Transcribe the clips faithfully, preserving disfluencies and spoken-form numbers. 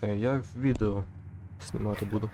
Е, Я відео знімати буду.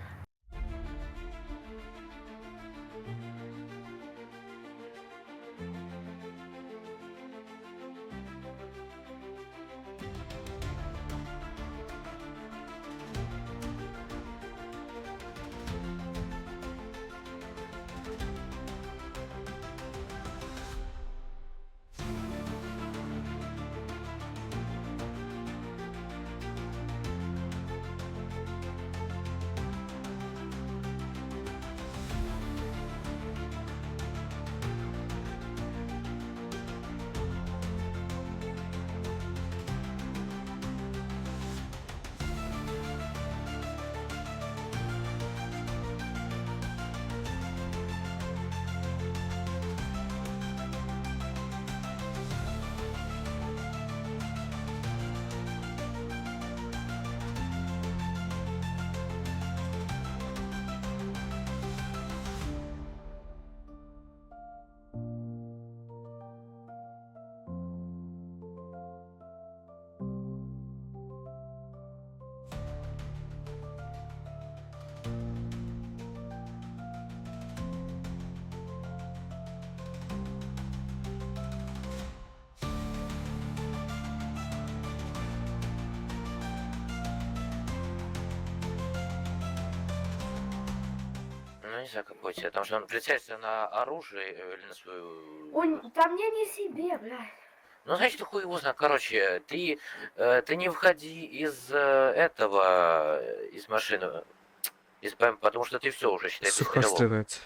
Ну, не знаю, какой тебе. Там же он прицелится на оружие э, или на свою... Он, по мне не себе, блядь. Ну, значит, хуй его знает. Короче, ты, э, ты не входи из э, этого, э, из машины, из БМ, потому что ты все уже, считай, ты стрелок. Сухострілець.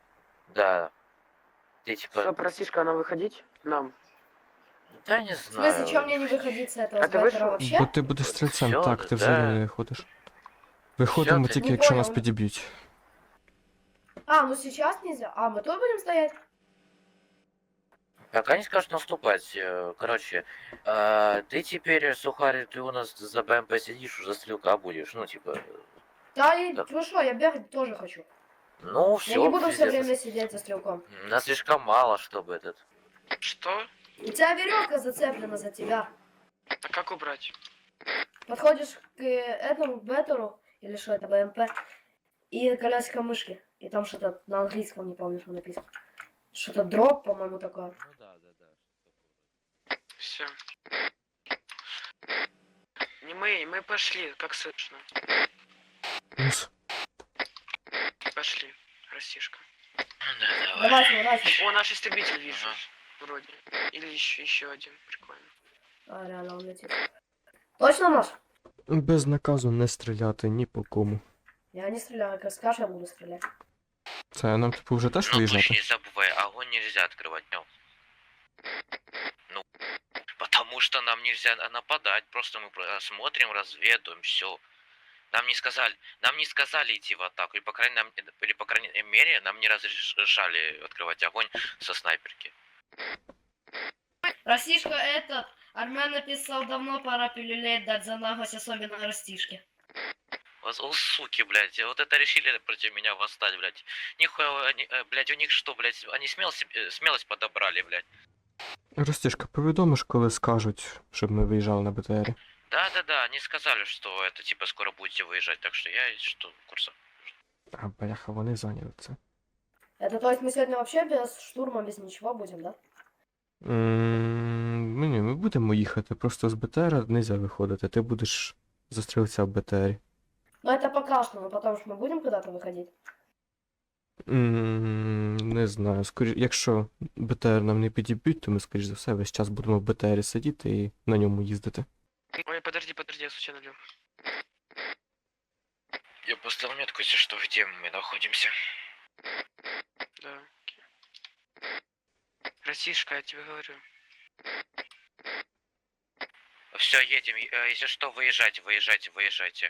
Да. Ты типа... Что, простишка, она выходить нам? Да не В знаю. смысле, чем мне не выходить с этого А с ты беттера вышел? вообще? Бо ти будеш стрільцем, Всё, так, ти да. взагалі не виходиш. Виходимо Всё, ти- тільки, Не якщо нас понял. підіб'ють. А, ну сейчас нельзя. А, мы тут будем стоять? Пока не скажут наступать. э, Короче, э, ты теперь, Сухарь, ты у нас за БМП сидишь, уже стрелка будешь. Ну, типа... Да, и Да. ну что, я бегать тоже хочу. Ну, все. Я не буду все время сидеть за стрелком. Нас слишком мало, чтобы этот... Что? У тебя веревка зацеплена за тебя. А как убрать? Подходишь к э, этому беттеру, или что это, БМП, и колесико мышки. И там что-то на английском, не помню, что написано. Что-то дроп, по-моему, такое. Ну да, да, да. Все. Не мы, мы пошли, как слышно. Плюс. Пошли, растишка. Да, давай. Давай, сворачивай. О, наш истребитель вижу. Ага. Вроде. Или еще, еще один. Прикольно. А, реально, он летит. Точно наш? Без наказу не стріляти ні по кому. Я не стреляю, как скажешь, я буду стрелять. Це нам типу вже теж Ну, лучше виїжджати? не забывай, огонь нельзя открывать днем. Ну, потому что нам нельзя нападать, просто мы про- смотрим, разведываем, все. Нам не сказали, нам не сказали идти в атаку, или по крайней, нам, или по крайней мере нам не разрешали открывать огонь со снайперки. Растишка этот, Армен написал, давно пора пилюлей дать за наглость, особенно растишке. Вот, о, суки, блядь, вот это решили против меня восстать, блядь. Нихуя, они, э, блядь, у них что, блядь, они смел себе- смелость подобрали, блядь. Ростішка, повідомиш, коли скажуть, щоб ми виїжджали на БТРі? Да-да-да, они сказали, что это типа скоро будете выезжать, так что я что, курса. А, бляха, вони зайняли це. Это то есть мы сегодня вообще без штурма, без ничего будем, да? М, Ну ні, ми будемо їхати, просто з БТРа не можна виходити, ти будеш за стрільця в БТРі. Но это пока что, но потом что мы будем куда-то выходить. М, Не знаю, скоріш, якщо БТР нам не підіб'ють, то ми, скоріш за все, весь час будемо в БТРі сидіти і на ньому їздити. Ой, подожди, подожди, я случайно лег. Я поставил метку, если что, где мы находимся. Да. окей. Растишка, я тебе говорю. Все, едем. э, Если что, выезжайте, выезжайте, выезжайте.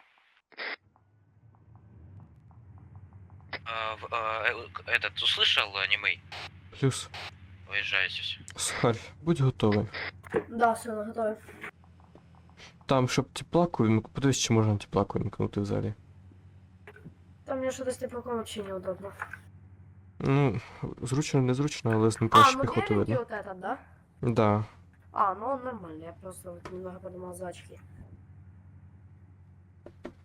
А, в- а, э, этот услышал, э, немый? Плюс, Выезжайте. Сухарь, будь готовий. Да, все, готовы. Там, щоб теплаку вимкнути, подивись, чи можна теплаку вимкнути взагалі. Там мне что-то с теплаком вообще неудобно. Ну, зручно, незручно, але з ним А, краще ну піхоту беленький видно. вот этот, да? Да. А, ну он нормальный, я просто вот немного подумал за очки.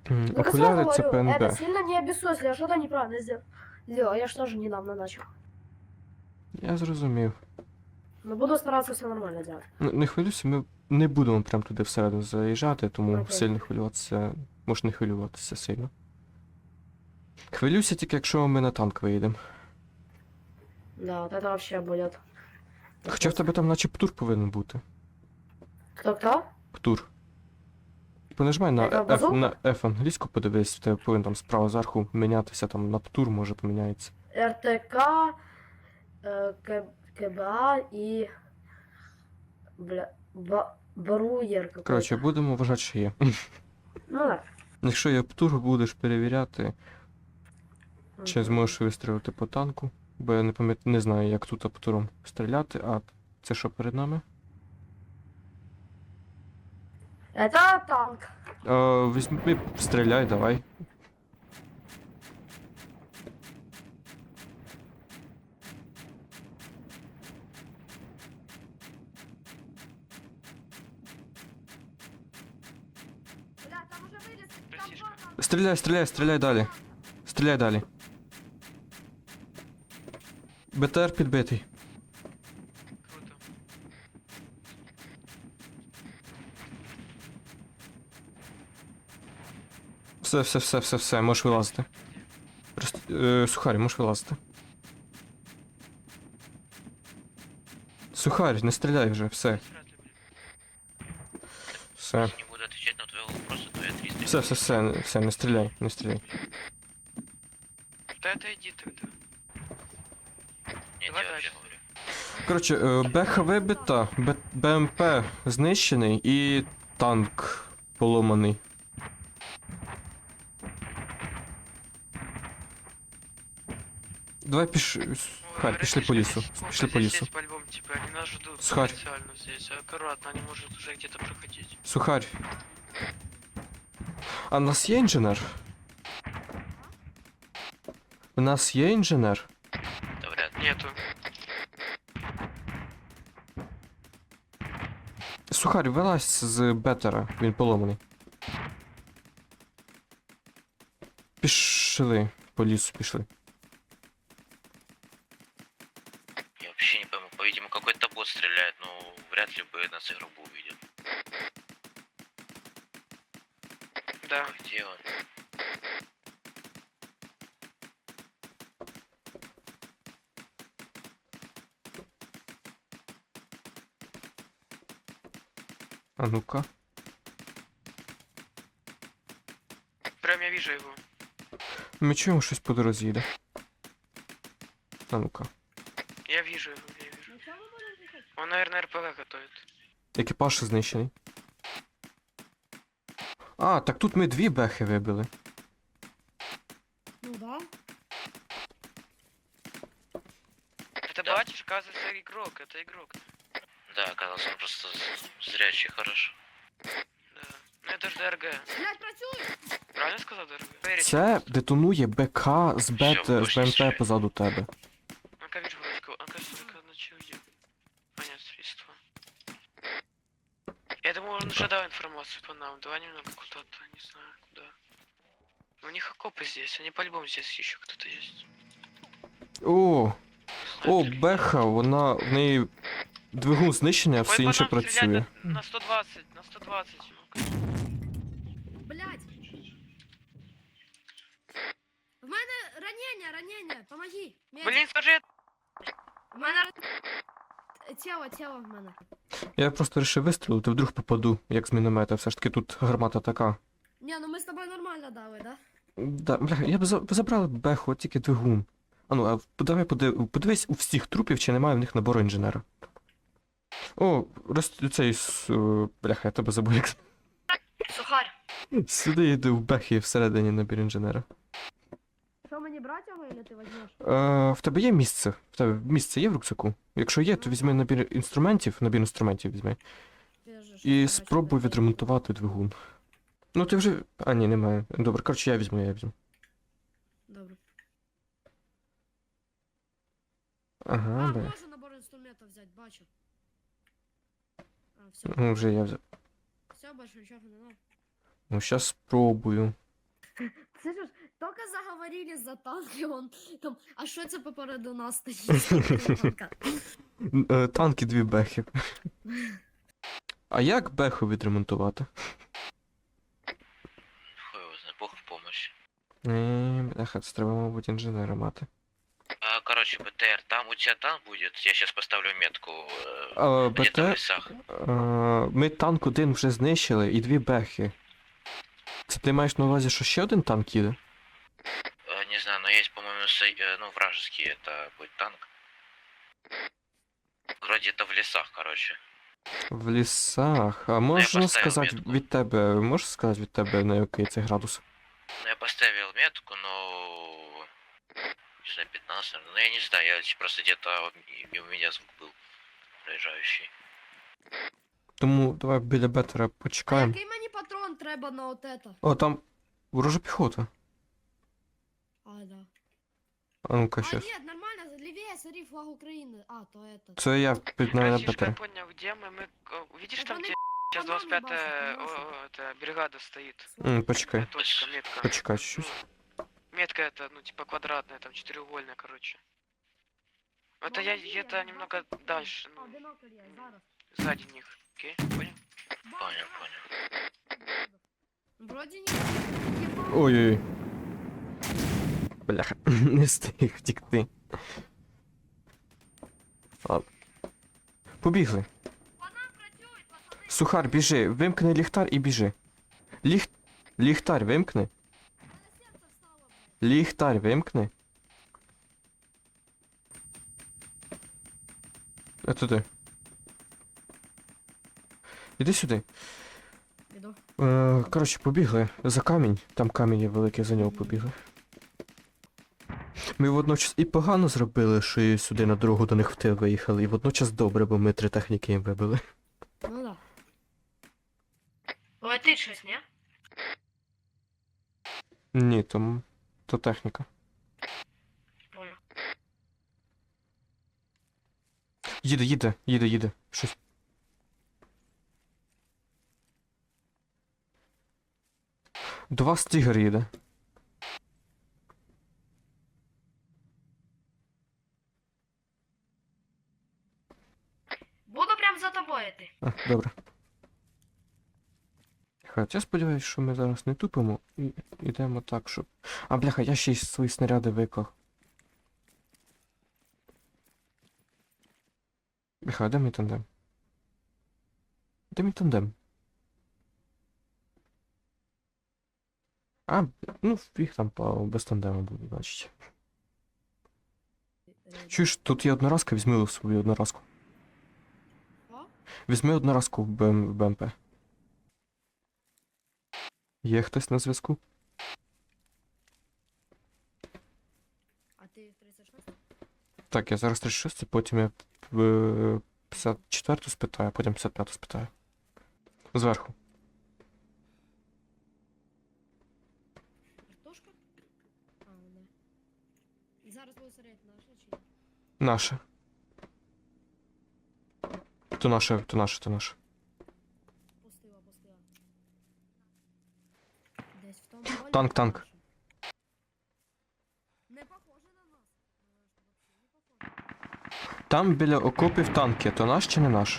М, Так я Окуляри сразу це говорю, это ПНБ. сильно не обессудь, я что-то неправильно сделал. Сделал, я же тоже недавно начал. Я зрозумів. Но буду стараться все нормально делать. Ну, не хвилюйся, ми не будемо прям туди всередину заїжджати, тому Окей. сильно хвилюватися. Можеш не хвилюватися сильно. Хвилюйся тільки, якщо ми на танк виїдемо. Да, вот это вообще будет. Хоча в тебе там наче птур повинен бути. Кто-кто? Птур. Понажимай на Це F, базука? на F англійську, подивись, в тебе повинен там справа зверху мінятися, там на птур може поміняється. РТК, э, К- КБА и... Бля... Ба... Бруер какой-то. Коротше, будемо вважати, що є. Ну да. Якщо є птур, будеш перевіряти, чи Мгм. зможеш вистрілити по танку. Бо я не пам'ятаю, не знаю, як тут птуром стріляти, а це що перед нами? Это танк. Е, візьми, стріляй, давай. Бля, там уже вылез. Простишка. Стріляй, стріляй, стріляй далі. Стріляй далі. БТР підбитий. Круто. Все, все, все, все, все, можеш вилазити. Просто, е, Сухарі, можеш вилазити. Сухарь, не стріляй вже, все. Вряд ли, блин. Все. Не буду отвечать на твой вопрос, а твои триста. Все, все, все, не- все, не стріляй, не стріляй. Да отойди тогда. Я Давай тебе вообще дальше. говорю. Коротше, е, Беха вибита, Б- БМП знищений і танк поломаний. Давай піш... Сухарь, пішли по лісу. Пішли по лісу. По-любому, типа, они нас ждут Схарь. специально здесь. Аккуратно, они может уже где-то проходить. Сухарь. А в нас є інженер? У нас є інженер? Да вряд ли. Нету. Сухарь, вилазь з бетера, він поломаний. Пішли. По лісу пішли. Я вообще не пойму. По-видимому, какой-то бот стреляет, но вряд ли бы нас игру бы увидел. Да. Где он? А ну-ка. Прям я вижу его. Ми чуємо, щось по дорозі йде. А ну-ка. Я вижу его, я вижу. Он, наверное, РПГ готовит. Екіпаж знищений. А, так тут ми дві бехи вибили. Ну да. Это Да. батюшка, оказывается, игрок, это игрок. Да, оказался он просто з- зрячий, хорошо. Да. Ну это же ДРГ. Блять, працюй! Правильно сказал ДРГ? Поверите, Це пожалуйста. детонує БК з бет Всё, з пошли БМП стріляй. позаду тебе. Ну-ка, вижу вроде кого. Ну-ка, только начал где. Понятно, средства. Я думаю, он уже дал информацию по нам. Давай немного куда-то, не знаю, куда. У них окопы здесь, они по-любому здесь еще кто-то есть. О, о, Снайпер. беха, вона в неї двигун знищений, а Ой, все по інше нам стреляют працює. на, на сто двадцать, на сто двадцать. Ну-ка. Блять! В мене ранення, ранення, помоги! Медик. Блин, скажи, В мене ран- тіло, тіло в мене. Я просто вирішив вистрілити, вдруг попаду, як з міномета. Все ж таки тут гармата така. Ні, ну ми з тобою нормально дали, да? Да, бля, я б за... ви забрали б беху, от тільки двигун. А ну, а давай подив... подивись у всіх трупів, чи немає в них набору інженера. О, роз... цей... с- е, Бляха, я тебе забув як. Сухарь. Сюди йди в бехі всередині набір інженера. Що мені брати його, или ти візьмеш? Е, в тебе є місце? В тебе місце є в рюкзаку? Якщо є, то візьми набір інструментів, набір інструментів візьми. І спробуй відремонтувати двигун. Ну ти вже. А, ні, немає. Добре, коротше, я візьму, я візьму. Добре. Ага, А, бе. можу набор інструментів взяти, бачу. А, все, Ну, вже я взяв. все, більше нічого не надо. Ну, щас спробую. Слышишь, только заговорили за танки, он там, а що це попереду нас стоїть? Танка. Н- е, Танки дві бехи. А як беху відремонтувати? Хуй его знает, бог в помощь. Ні, бляха, це треба, мабуть, інженера мати. А, короче, БТР, там у тебя танк будет, я сейчас поставлю метку э, А, где-то в БТ, лесах. а, ми танк один вже знищили і дві бехи. Це ти маєш на увазі, що ще один танк їде? Э, не знаю, но есть, по-моему, со- э, ну, вражеский это будет танк. Вроде это в лесах, короче. В лісах. А можна поставив сказати метку. від тебе, можеш сказати від тебе, на який це градус? Ну, я поставил метку, но... Не знаю, пятнадцать, наверное. Ну, я не знаю, я просто где-то и- и у меня звук был проезжающий. Тому давай біля бетера А почекаємо. який мені патрон треба на от это? О, там ворожа піхота. А, да. А ну-ка, А, щас. нет, нормально, левее, смотри, флаг Украины. А, то это. Це я під на Братишка, я бетері. понял, где мы, мы... э, Видишь, Это там, они где сейчас по нам двадцать пятая ебашут, о, о, это, бригада стоит. М, почекай. Э, Точка, метка. Почекай щось. Ну, метка это, ну, типа квадратная, там четырехугольная, короче. Это я где-то немного дальше, ну, Одиноко є, зараз. сзади них. Окей, понял? Понял, понял. Вроді ні. Ой-ой-ой. Бляха, не встиг втікти. Ладно. Побігли. Сухар, біжи, вимкни ліхтар і біжи. Ліх... Ліхтар вимкни. Ліхтар вимкни. А туди. Іди сюди. Іду. Е, коротше, побігли за камінь. Там камінь є великий, за нього побігли. Ми водночас і погано зробили, що і сюди на дорогу до них в тил виїхали, і водночас добре, бо ми три техніки їм вибили. Ну да. Летить щось, ні? Ні, то, то техніка. Понял. Їде, їде, їде, їде. Щось. До вас тігр їде. Буду прям за тобою йти. А, добре. Хоча я сподіваюся, що ми зараз не тупимо і йдемо так, щоб. А, бляха, я ще й свої снаряди виклав. Бляха, а де мій тандем? Де мій тандем? А, ну, їх там по без тандему буде, значить. Чуєш, тут є одноразка, візьми свою одноразку. О? Візьми одноразку в БМ, в БМП. Є хтось на зв'язку? А ти тридцять шість? Так, я зараз тридцять шість, потім я е, п'ятдесят четверту спитаю, потім п'ятдесят п'яту спитаю. Зверху. Картошка? А, да. Зараз буду серед наша чи ні? Наше. То наше, то наше, то наше. Пустила, пустила. Десь в тому полі Танк, танк. наша. Не похоже на нас. Е, що вообще не похоже. Там біля окопів танки, то наш чи не наш?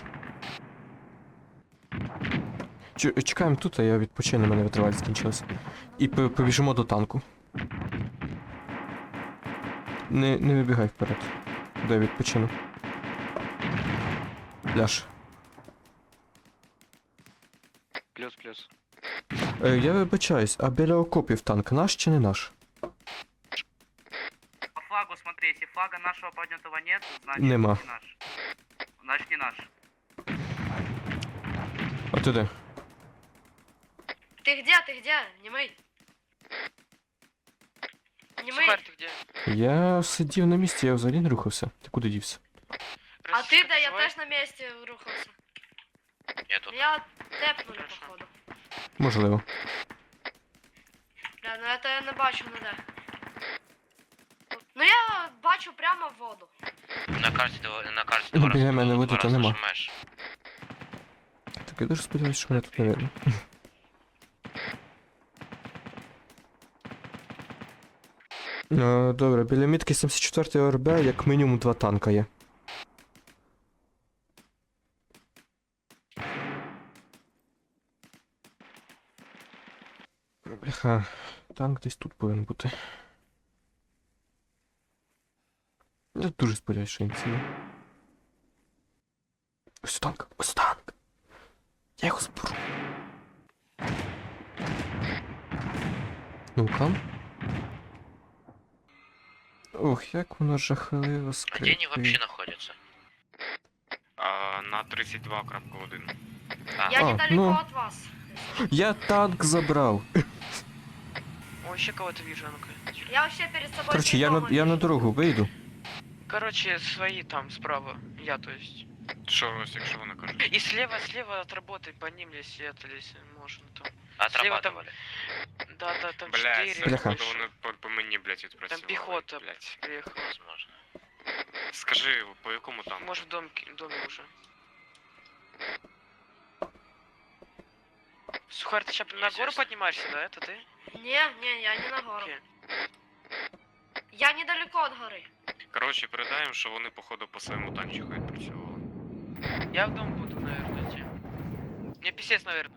Чу- Чекаємо тут, а я відпочину, у мене витривалість скінчилась. І по- побіжимо до танку. Не, не вибігай вперед. Дай відпочину. Ляж. Плюс-плюс. Е, я вибачаюсь, а біля окопів танк наш чи не наш? По флагу смотри, если флага нашего поднятого нет, значит Нема. не наш. Значит не наш. А ти де? Ти где, ти где? Німий. Німий. Сухарь, ты где? Я сидів на місці, я взагалі не рухався. Ти куди дівся? А ти де? Я Живой? теж на місці рухався. Я тут. Я тепнули, Хорошо. походу. Можливо. Бля, ну это я не бачу ніде. Ну я бачу прямо в воду. На карті два- на карті Ну, два біля рази мене два води то рази нема. нажимаєш. Так я дуже сподіваюся, що мене тут не видно. Е, Добре, біля мітки сімдесят четвертої ОРБ як мінімум два танка є. Бляха, танк десь тут повинен бути. Я дуже сподіваюся, що він цілий. Ось танк, ось танк. Я його зберу. Ну-ка. Ох, як воно жахливо Где они скрипить. вообще находятся? А, на тридцять два крапка один. А, Я А, недалеко ну. от вас. Я танк забрав. О, еще кого-то вижу, а ну-ка. Я вообще перед собой... Коротше, я на, придумал. я на дорогу вийду. Короче, свои там справа. Я, то есть. Що ось, якщо вони кажуть? И слева, слева отработай по ним, если это, если можно там. Слева там. отрабатывали. Да, да, там Блядь, четыре. це Бляха. походу вони по, по мені, блядь, відпрацювали. Там пехота блядь. приехала. Возможно. Скажи, по якому там? Может в дом, доме уже. Сухарь, ты сейчас на гору Естественно. поднимаешься, да? Это ты? Не, не, я не на гору. Окей. Я недалеко от горы. Коротше, передаємо, що вони, походу, по своєму танчику відпрацювали. Я в дом буду, наверное, идти. Мне писец, наверное.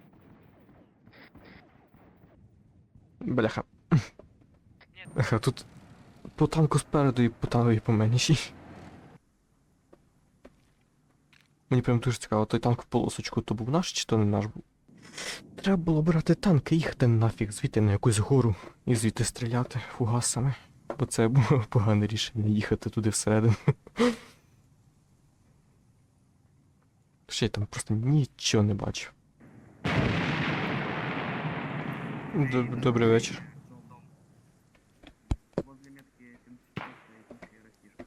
Бляха. Бляха, тут по танку спереду і по танку і по мені. Мені прям дуже цікаво, той танк в полосочку то був наш чи то не наш був? Треба було брати танк і їхати нафіг звідти на якусь гору і звідти стріляти фугасами. Бо це було погане рішення їхати туди всередину. Ще я там просто нічого не бачив. Доб- Добрий вечір. Возле метки семьдесят четыре и растишь.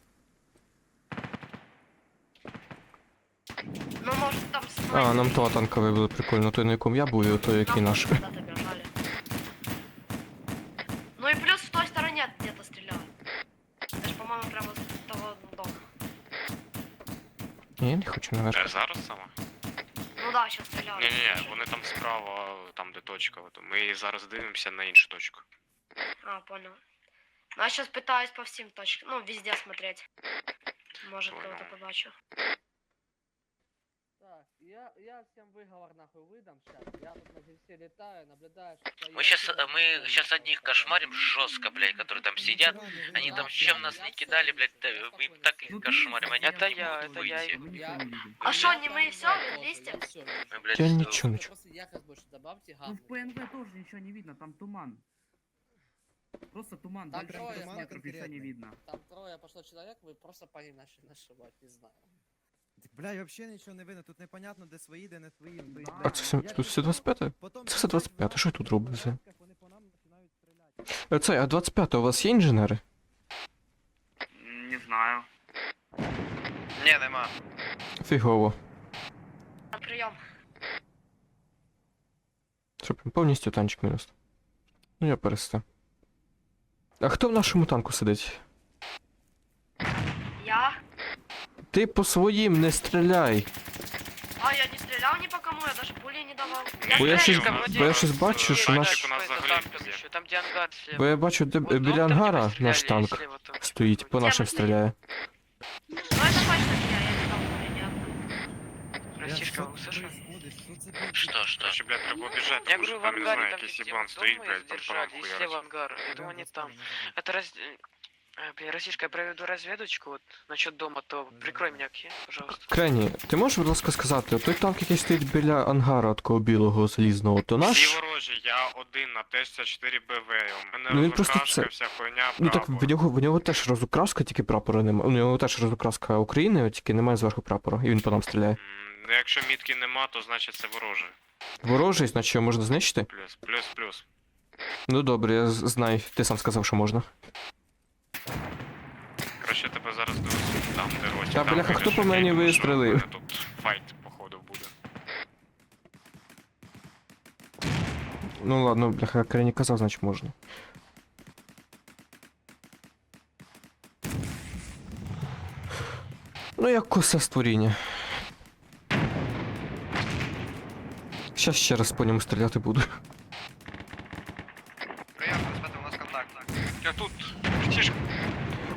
Ну, может, там... А, нам того танка вибили прикольно, той на якому я був і той, який наш. Куда-то бежали. Ну и плюс в той стороне где-то стреляют. Это ж, по-моему, прямо с того дома. Ні, я не хочу наверх. Е, зараз саме? Ну да, сейчас стреляют. Ні-ні-ні, вони там справа, там де точка. От. Ми зараз дивимося на іншу точку. А, понял. Ну, я сейчас пытаюсь по всем точкам, ну, везде смотреть. Может, Понял. кого-то побачу. Так, я, я всем выговор нахуй выдам сейчас. Я тут на все летаю, наблюдаю, что... Мы сейчас, мы сейчас одних кошмарим жестко, блядь, которые там сидят. Они там чем нас не кидали, блядь, да, мы им так их кошмарим, они Это не я, могут это я выйти. их- Мы Я- никого не видим. А шо, не мы всё, вместе? Мы, блядь, Я э, ничего не чую. Просто якость больше добавьте, Ну гам. в ПНВ тоже ничего не видно, там туман. Просто туман, Там дальше трое, пятьсот туман метров ничего не видно. Там трое пошло человек, вы просто по ним начали нашивать, не знаю. Так, бля, і взагалі нічого не видно, тут непонятно, де свої, де не свої. То есть, А, А бля, це все, я тут все пішов, двадцять п'яте? потім Це все двадцять п'яте, що я тут роблю все? вони по нам починають стріляти. Е, Це, а двадцять п'яте у вас є інженери? Не знаю. Не, нема. Фігово. На прием. Що прям повністю танчик мінус. Ну я перестав. А хто в нашому танку сидить? Я? Ти по своїм не стріляй. А, я не стрелял ни по кому, я даже пули не давал. Бо я стрелял. щось, у нас бо я щось зараз, бачу, е, що танчик наш... у нас По это взагалі танкам везде. еще, там где ангар слева. Бо я бачу, де Вот дом, біля там, где ангара мы наш стреляли, и танк слева там. стоїть, по нашим Где мы стріляє. Ну, это точно не я, я не дал пули ни одной. Растишка, услышал? Что, что? Короче, блядь, треба біжати, Я тому що говорю, в там, не ангаре, знаю, там якийсь где єбан вот стоїть, дома блядь, их там держали, парам и слева хуярить. ангар. Я думаю, они там. Это раз... Э, Блин, Растишка, я проведу разведочку вот насчет дома, то прикрой меня, окей, пожалуйста. Крені, ти можеш, будь ласка, сказати, той танк, який стоїть біля ангара такого білого залізного, то Всі наш? ворожі, я один на Т шістдесят чотири Б В, у мене Ну, він просто розкрашка, це- вся хуйня, Ну так прапор. в нього, в нього теж розукраска, тільки прапора немає. У нього теж розукраска України, тільки немає зверху прапора, і він по нам стріляє. М, ну, якщо мітки нема, то значить це вороже. Ворожий, значить його можна знищити? Плюс, плюс, плюс. Ну добре, я з- знаю, ти сам сказав, що можна. Короче, тебе зараз довезуть там, де гості. Та, там бляха, вийдеш, хто по окей, мені тому що вистрелив? в мене Тут файт, походу, буде. Ну ладно, бляха, Крені казав, значить можна. Ну як косе створіння. Щас ще раз по ньому стріляти буду. Прием, господи, у нас контакт. Я тут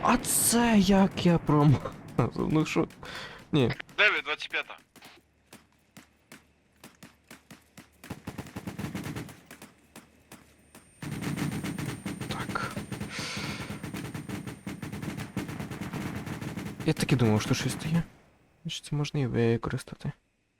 А це як я промазав? Ну що? Ні. дев'ять, двадцять п'ять. Так. Я так і думав, що щось є. Значить, це можна і використати.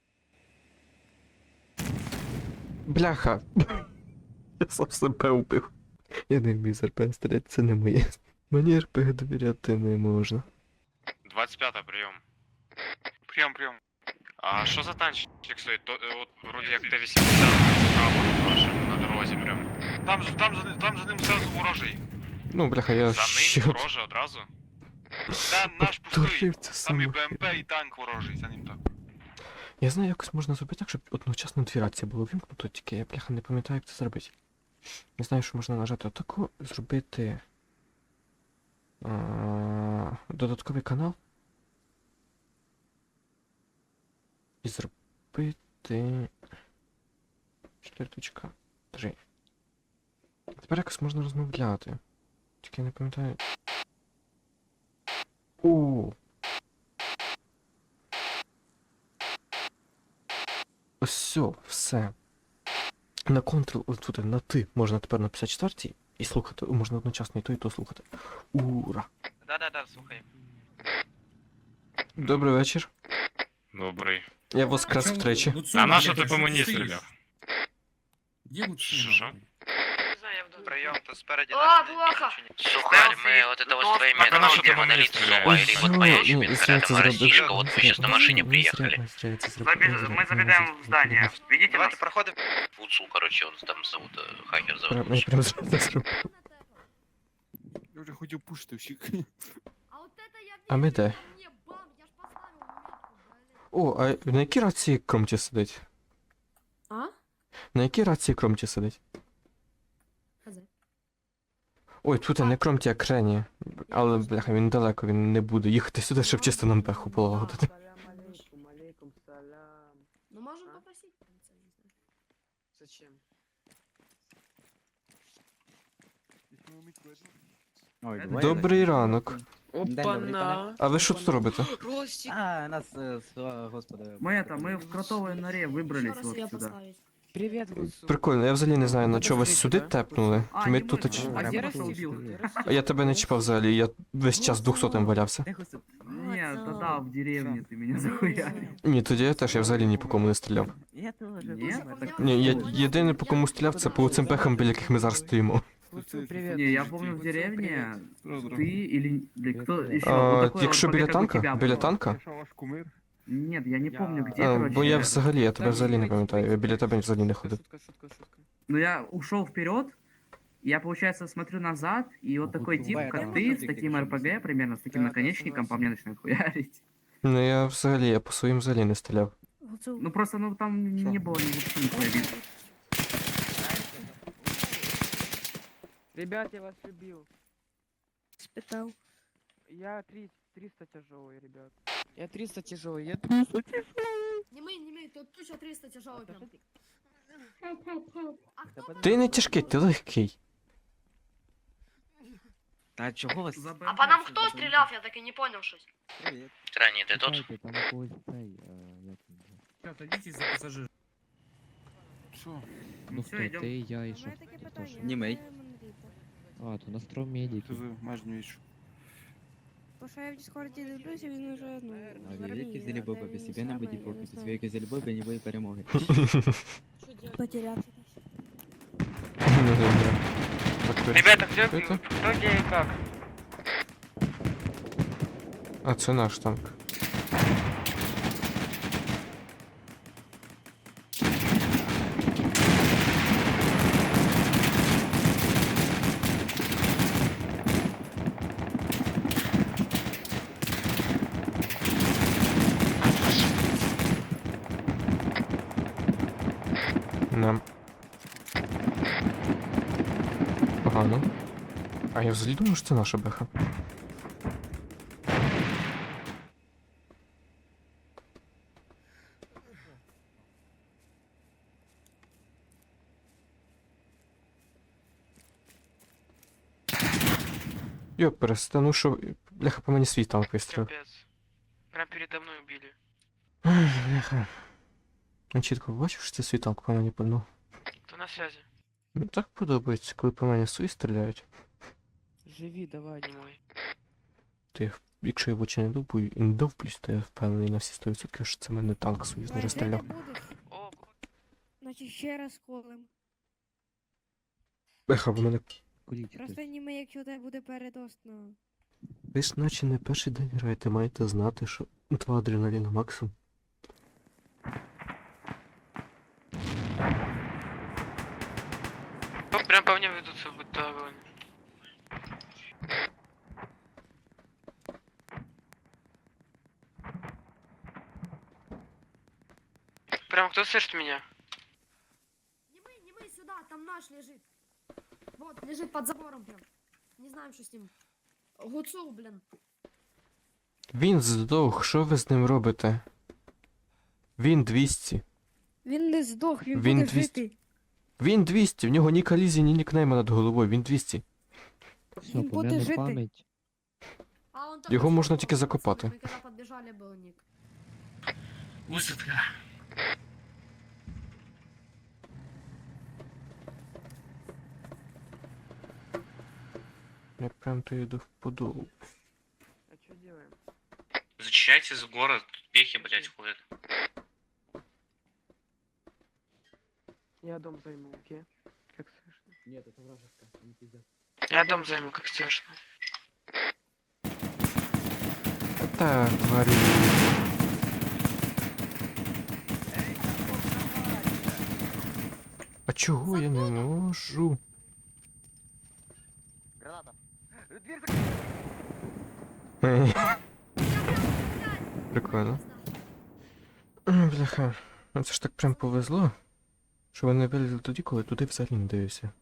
Бляха! Я сам себе вбив. Я не вмію з РП стріляти, це не моє. Мені РП довіряти не можна. двадцять п'ять, прийом. Прийом, прийом. А що за танчик стоїть? То, е, от, вроді як Т вісімдесят справа вашим на дорозі прям. Там, ж- там, за, там за ним зразу ворожий. Ну, бляха, я За ще... ним ворожий одразу? Та наш пустий. Повторив це Там і саме. БМП, і танк ворожий за ним так. Я знаю, якось можна зробити так, щоб одночасно дві рації було вімкнуто, тільки я, бляха, не пам'ятаю, як це зробити. Не знаю, що можна нажати отаку, зробити... А, додатковий канал. І зробити... чотири точка три. Тепер якось можна розмовляти. Тільки я не пам'ятаю. О! Ось все, все. На Ctrl, ось тут на ти можна тепер на п'ятдесят четвертій і слухати, можна одночасно і то, і то слухати. Ура! Да-да-да, слухай. Добрий вечір. Добрий. Я воскрес втричі. А на що ти по мені стріляв? Где вот Що, що? Не знаю, я в доме. Прийом, то спереді А, плохо. Сухарь, мы вот это вот с твоими Так, а на что ты этими по мне монолит стреляешь? Зуба, или вот твоя Ой, еще ну, рядом, зря це а зробив. Россишка, вот вы сейчас на машине Зря- приехали. зря це зробив. Забег- Зря- мы зря- забегаем зря- в здание. зря- Видите Давайте проходим. Фуцу, короче, он там зовут, э, хакер зовут. Прям- Я прям зря це зробив. Я вже хотів пушити всіх. А ми де? О, а на якій рації Кромті сидить? А? На якій рації Кромті сидить? Хазе. Ой, тут не Кромті, а Крені. Але, бляха, він далеко, він не буде їхати сюди, щоб чисто нам пеху полагодити. Ну, можем попросить. Зачем? Ой, Добрий ранок. Опа-на! А ви що тут робите? Ростик! А, нас, е, с- господи. Мы это, мы в кротовой норе выбрались вот сюда. Привет, Гусу. Прикольно, я взагалі не знаю, на чого вас сюди тепнули. А, Ми не тут... можна. оч- А А я где просто растишь? убил. А я тебе не чіпав взагалі, я весь час двохсотим валявся. Нет, тогда в деревне ты меня захуярил. Ні, тоді я теж, я взагалі ні по кому не стріляв. Я теж. Нет? Так- Ні, я єдине по кому стріляв, це по цим пехам, біля яких ми зараз стоїмо. Гусу, привет. Не, я помню в деревне ты или или кто еще. А, вот такой якщо вот біля побег, как у танка? тебя Біля был. танка? Нет, я не помню где, А, короче. бо я взагалі, я тебе взагалі не пам'ятаю, я біля тебе взагалі не ходив. Шутка, шутка, шутка. Но я ушел вперед, я, получается, смотрю назад, и вот такой тип, Бывает, как там ты, вот с такие таким конечно, РПГ, примерно, с таким Да, да, наконечником, по мне начинает хуярить. Ну я взагалі, я по своїм взагалі не стріляв. Ну просто, ну там не было ни вообще никакой видно. Ребят, я вас любил. Спитал. Я три- триста тяжелый, ребят. Я триста тяжелый, я триста тяжелый. Не мы, не мы, тут тысяча триста тяжелый прям. Ти не тяжкий, ти легкий. Та чого вас? За А БМП по нам всё кто запомнил. стрелял, я так и не понял щось. Привіт. Крайний, ты тут? Садитесь за пассажир. Ну все, идем. Ти, я і що? Німей. А, то на стром медики. Бо що я в Діскорді дивлюся, він уже, ну, А великий Зелебоба, без тебе нам буде поки, без великої Зелебоби ніякої перемоги. потерявся. Ну добре. Так, Ребята, где, Это? кто где и как? А це наш танк. Нам. Погано. А я взагалі думаю, що це наша беха. Йо, перестану, що. Бляха, по мені свій танк вистрілив. Капец. Прям передо мной убили. Ай, бляха. Я чітко бачив, що це свій танк по мені пальнув. Кто на связи? Мені так подобається, коли по мені свої стріляють. Живи, давай, не мой. То я, якщо я в очі не довбую і не довблюсь, то я впевнений на всі сто відсотків, що це мене танк союзний Жити розстріляв. будеш? О, Значить ще раз колем. Бляха, в мене. Куріть Просто хтось. ніби якщо у тебе буде передост на... Ви ж наче не перший день граєте, маєте знати, що два адреналіна максимум. О, прям по мне ведутся, будь то огонь. Прям кто слышит меня? Не мы, не мы, сюда, там наш лежит. Вот, лежит под забором прям. Не знаем, что с ним. Гуцул, блин. Він здох, що ви з ним робите? Він двісті. Він не здох, він, Він буде двісті. жити. Він двісті, в нього ні колізії, ні нікнейма над головою, він двісті. Все, Він буде помяну жити. пам'ять. А он там Його нашел, можна тільки пацаны, закопати. Мы когда подбежали, был ник. Высадка. Я прям то йду в подол. А что делаем? Зачищайтесь в город, тут пехи, блядь, ходят. Я дом займу, окей? Как слышно? Нет, это вражеская, не пиздец. Я дом займу, как слышно. Так, тварі. А чого я не можу? Прикольно. М, Бляха. Ну це ж так прям повезло, що вони вилізли тоді, коли туди взагалі не дивився.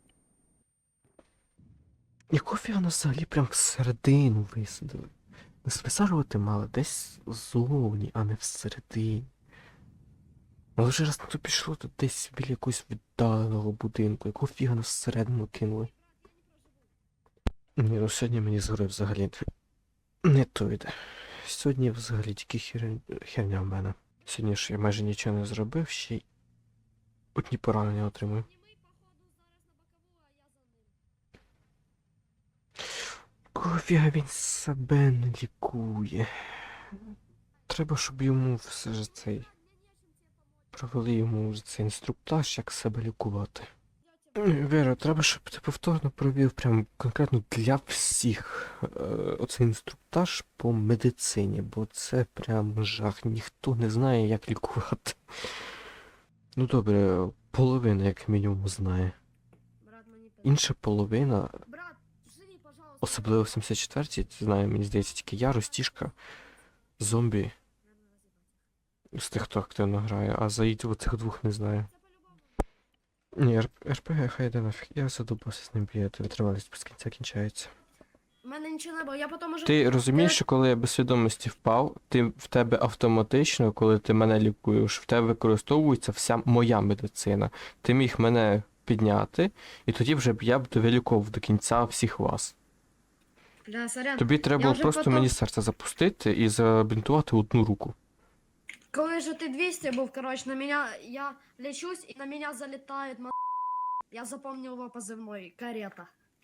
Якого фіга нас взагалі прям всередину висадили? Нас висаджувати мали десь ззовні, а не всередині. Але вже раз на то пішло, то десь біля якогось віддаленого будинку. Якого фіга нас всередину кинули? Ні, ну сьогодні мені згори взагалі не то йде. Сьогодні взагалі тільки хер... херня в мене. Сьогодні ж я майже нічого не зробив, ще й одні поранення отримую. Кого фіга він себе не лікує? Треба, щоб йому все ж цей... Провели йому вже цей інструктаж, як себе лікувати. Віра, треба, щоб ти повторно провів прям конкретно для всіх е, оцей інструктаж по медицині, бо це прям жах. Ніхто не знає, як лікувати. Ну добре, половина як мінімум знає. Брат, мы не Інша половина, Брат, живи, пожалуйста. особливо в сімдесят четвертій, знає, мені здається, тільки я, Ростішка, зомбі. З тих, хто активно грає, а заїдь оцих двох не знаю. Ні, РПГ хай йде нафіг. Я задумався з ним бігати, витривалість без кінця кінчається. У мене нічого не було, я потім уже... Ти розумієш, Ти- що коли я без свідомості впав, ти в тебе автоматично, коли ти мене лікуєш, в тебе використовується вся моя медицина. Ти міг мене підняти, і тоді вже б я б довиліковував до кінця всіх вас. Да, сорян. Тобі треба Я було вже просто потом- мені серце запустити і забінтувати одну руку. Коли же ти двісті був, короче, на меня, я лечусь, и на меня залетает ма... Я запомнил его позывной, карета.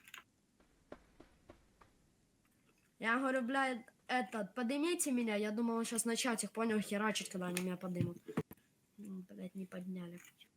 Я говорю, блядь, этот, поднимите меня, я думал, он сейчас на чатик, понял, херачить, когда они меня поднимут. М, Блядь, не подняли.